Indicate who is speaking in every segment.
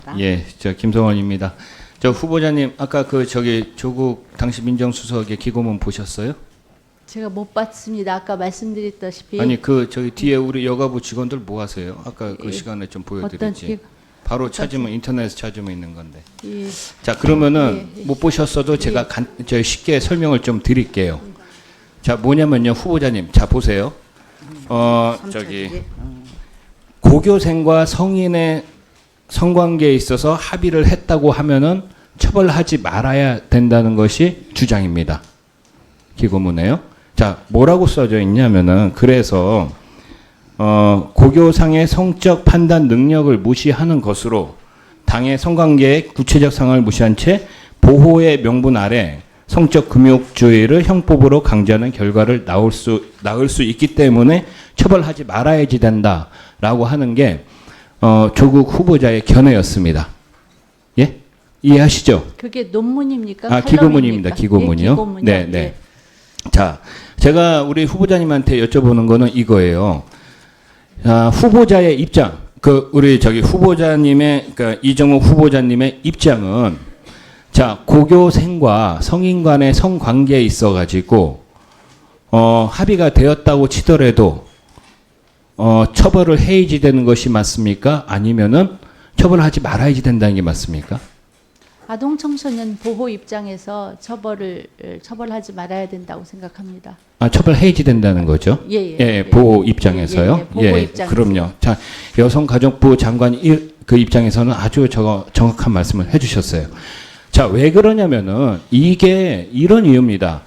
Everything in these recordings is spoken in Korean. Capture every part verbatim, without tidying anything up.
Speaker 1: 예, 저 김성원입니다. 저 후보자님 아까 그 저기 조국 당시 민정수석의 기고문 보셨어요?
Speaker 2: 제가 못 봤습니다. 아까 말씀드렸다시피
Speaker 1: 아니 그 저기 뒤에 우리 여가부 직원들 뭐 하세요? 아까 그
Speaker 2: 예.
Speaker 1: 시간에 좀
Speaker 2: 어떤
Speaker 1: 보여드렸지.
Speaker 2: 기-
Speaker 1: 바로 찾으면 인터넷에 찾으면 있는 건데.
Speaker 2: 예,
Speaker 1: 자 그러면은
Speaker 2: 예, 예.
Speaker 1: 못 보셨어도 제가 간, 저 쉽게 설명을 좀 드릴게요. 자 뭐냐면요 후보자님 자 보세요. 어 저기 고교생과 성인의 성관계에 있어서 합의를 했다고 하면은 처벌하지 말아야 된다는 것이 주장입니다. 기고문에요. 자 뭐라고 써져 있냐면은 그래서 어, 고교상의 성적 판단 능력을 무시하는 것으로 당의 성관계의 구체적 상황을 무시한 채 보호의 명분 아래 성적 금욕주의를 형법으로 강제하는 결과를 나올 수 나올 수 있기 때문에 처벌하지 말아야지 된다라고 하는 게 어, 조국 후보자의 견해였습니다. 예? 이해하시죠?
Speaker 2: 그게 논문입니까?
Speaker 1: 아,
Speaker 2: 칼럼입니까?
Speaker 1: 기고문입니다. 기고문이요.
Speaker 2: 예, 기고문이요.
Speaker 1: 네, 네.
Speaker 2: 예.
Speaker 1: 자, 제가 우리 후보자님한테 여쭤보는 거는 이거예요. 아, 후보자의 입장, 그 우리 저기 후보자님의 그러니까 이정욱 후보자님의 입장은 자 고교생과 성인 간의 성관계에 있어가지고 어, 합의가 되었다고 치더라도 어, 처벌을 해야지 되는 것이 맞습니까? 아니면은 처벌하지 말아야지 된다는 게 맞습니까?
Speaker 2: 아동 청소년 보호 입장에서 처벌을 처벌하지 말아야 된다고 생각합니다.
Speaker 1: 아, 처벌해야지 된다는 거죠?
Speaker 2: 예, 예.
Speaker 1: 예,
Speaker 2: 예.
Speaker 1: 보호 입장에서요.
Speaker 2: 예, 예, 보호 입장에서.
Speaker 1: 그럼요. 자, 여성가족부 장관 일, 그 입장에서는 아주 저, 정확한 말씀을 해주셨어요. 자, 왜 그러냐면은 이게 이런 이유입니다.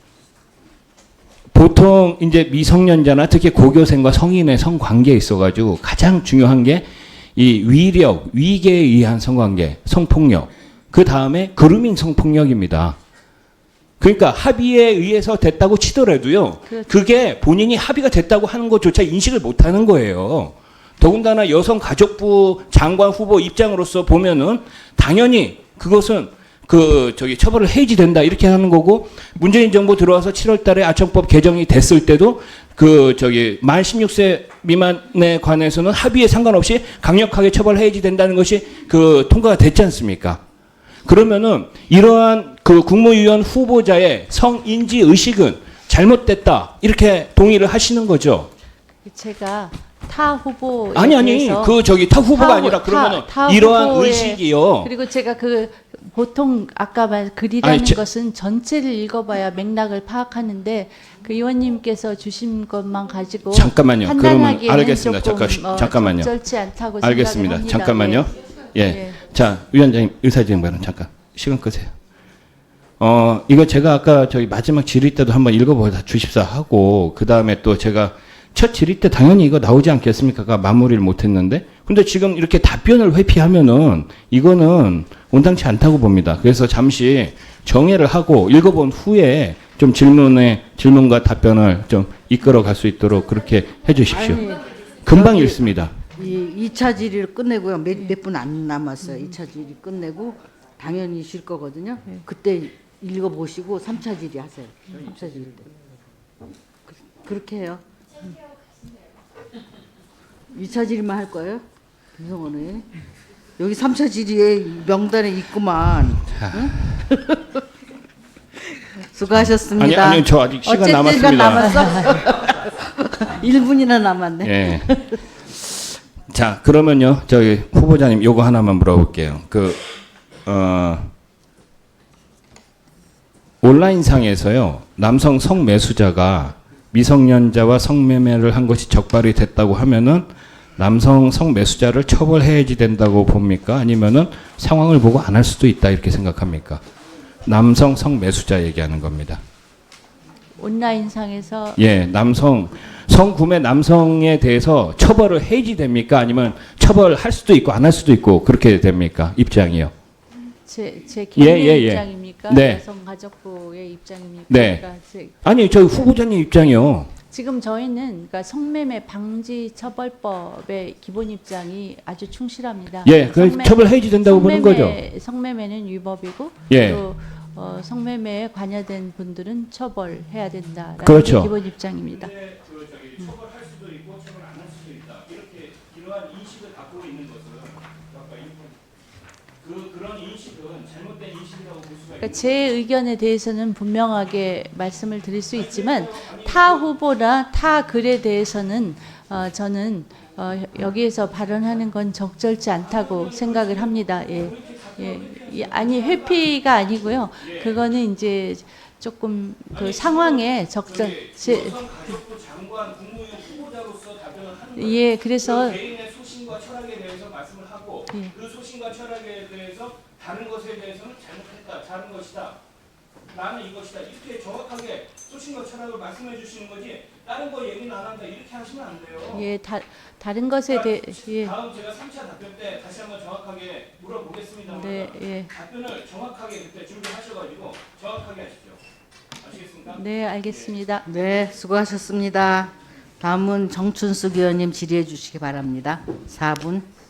Speaker 1: 보통 이제 미성년자나 특히 고교생과 성인의 성관계에 있어가지고 가장 중요한 게 이 위력, 위계에 의한 성관계, 성폭력, 그 다음에 그루밍 성폭력입니다. 그러니까 합의에 의해서 됐다고 치더라도요.
Speaker 2: 그렇죠.
Speaker 1: 그게 본인이 합의가 됐다고 하는 것조차 인식을 못하는 거예요. 더군다나 여성가족부 장관 후보 입장으로서 보면은 당연히 그것은 그 저기 처벌을 해야지 된다 이렇게 하는 거고 문재인 정부 들어와서 칠월 달에 아청법 개정이 됐을 때도 그 저기 만 십육 세 미만에 관해서는 합의에 상관없이 강력하게 처벌해야지 된다는 것이 그 통과가 됐지 않습니까? 그러면은 이러한 그 국무위원 후보자의 성인지 의식은 잘못됐다 이렇게 동의를 하시는 거죠.
Speaker 2: 제가 타 후보에
Speaker 1: 아니 아니
Speaker 2: 대해서
Speaker 1: 그 저기 타 후보가
Speaker 2: 타 후-
Speaker 1: 아니라 그러면은
Speaker 2: 타- 타
Speaker 1: 이러한
Speaker 2: 후보의-
Speaker 1: 의식이요.
Speaker 2: 그리고 제가 그 보통 아까 말 글이라는
Speaker 1: 아니, 저-
Speaker 2: 것은 전체를 읽어봐야 맥락을 파악하는데 그 의원님께서 주신 것만 가지고
Speaker 1: 잠깐만요. 그러면
Speaker 2: 판단하기에는
Speaker 1: 알겠습니다.
Speaker 2: 조금
Speaker 1: 잠깐
Speaker 2: 어,
Speaker 1: 잠깐만요.
Speaker 2: 적절치 않다고
Speaker 1: 알겠습니다.
Speaker 2: 생각을 합니다.
Speaker 1: 잠깐만요. 예.
Speaker 2: 예.
Speaker 1: 자, 위원장님 의사진행반은 잠깐 시간 끄세요. 어, 이거 제가 아까 저희 마지막 질의 때도 한번 읽어보다 주십사 하고 그 다음에 또 제가 첫 질의 때 당연히 이거 나오지 않겠습니까? 마무리를 못했는데 근데 지금 이렇게 답변을 회피하면은 이거는 온당치 않다고 봅니다. 그래서 잠시 정회를 하고 읽어본 후에 좀 질문에 질문과 답변을 좀 이끌어 갈 수 있도록 그렇게 해주십시오.
Speaker 3: 아니,
Speaker 1: 금방
Speaker 3: 저기-
Speaker 1: 읽습니다.
Speaker 3: 이 이 차 질의를 끝내고요. 몇 분 안 남았어요. 이 차 질의 끝내고 당연히 쉴 거거든요. 그때 읽어보시고 삼 차 질의 하세요. 삼 차 질의 때. 그, 그렇게 해요. 이 차 질의만 할 거예요? 김성원 의원. 여기 삼 차 질의에 명단에 있구만. 응? 수고하셨습니다.
Speaker 1: 아니, 아니, 저 아직 시간
Speaker 3: 어쨌든
Speaker 1: 남았습니다.
Speaker 3: 남았어. 일 분이나 남았네.
Speaker 1: 예. 자, 그러면요, 저기 후보자님 요거 하나만 물어볼게요. 그, 어, 온라인상에서요, 남성 성매수자가 미성년자와 성매매를 한 것이 적발이 됐다고 하면은 남성 성매수자를 처벌해야지 된다고 봅니까? 아니면은 상황을 보고 안 할 수도 있다 이렇게 생각합니까? 남성 성매수자 얘기하는 겁니다.
Speaker 2: 온라인상에서
Speaker 1: 예, 남성 성구매 남성에 대해서 처벌을 해야지 됩니까? 아니면 처벌할 수도 있고 안 할 수도 있고 그렇게 됩니까? 입장이요.
Speaker 2: 제, 제
Speaker 1: 예,
Speaker 2: 개인의
Speaker 1: 예, 예.
Speaker 2: 입장입니까?
Speaker 1: 네.
Speaker 2: 여성가족부의 입장입니까?
Speaker 1: 네.
Speaker 2: 그러니까 제,
Speaker 1: 아니, 저 후보자님 입장이요.
Speaker 2: 지금 저희는 그러니까 성매매 방지 처벌법의 기본 입장이 아주 충실합니다.
Speaker 1: 예, 그
Speaker 2: 성매-
Speaker 1: 처벌해야지 된다고 보는 거죠.
Speaker 2: 성매매- 성매매는 위법이고
Speaker 1: 예.
Speaker 2: 또 어, 성매매에 관여된 분들은 처벌해야 된다라는
Speaker 1: 그렇죠.
Speaker 2: 게 기본 입장입니다.
Speaker 1: 처벌할 수도 있고 처벌 안 할 수도 있다. 이렇게 이러한 인식을 갖고 있는 것은 아까 그 그런 인식은 잘못된 인식이라고 볼 수가
Speaker 2: 그러니까 제 의견에 대해서는 분명하게 말씀을 드릴 수 있지만 타 후보나 타 글에 대해서는 어, 저는 어, 여기에서 발언하는 건 적절치 않다고 생각을 합니다. 예, 예, 예, 아니 회피가 아니고요. 그거는 이제 조금 그 상황에 적절. 제,
Speaker 1: 여성가족부 장관 국무위원 후보자로서 답변을 하는 거예요.
Speaker 2: 예, 그래서
Speaker 1: 그 개인의 소신과 철학에 대해서 말씀을 하고
Speaker 2: 예.
Speaker 1: 그 소신과 철학에 대해서 다른 것에 대해서는 잘못했다, 다른 것이다. 나는 이것이다. 이렇게 정확하게 소신과 철학을 말씀해 주시는 거지 다른 거 얘기는 안 한다 이렇게 하시면 안 돼요.
Speaker 2: 예, 다, 다른 것에 대해 예,
Speaker 1: 다음 제가 삼 차 답변 때 다시 한번 정확하게 물어보겠습니다.
Speaker 2: 네, 예,
Speaker 1: 답변을 정확하게 그때 준비하셔가지고 정확하게 하십시오. 아시겠습니까?
Speaker 2: 네, 알겠습니다.
Speaker 3: 네, 수고하셨습니다. 다음은 정춘숙 의원님 질의해 주시기 바랍니다. 사 분.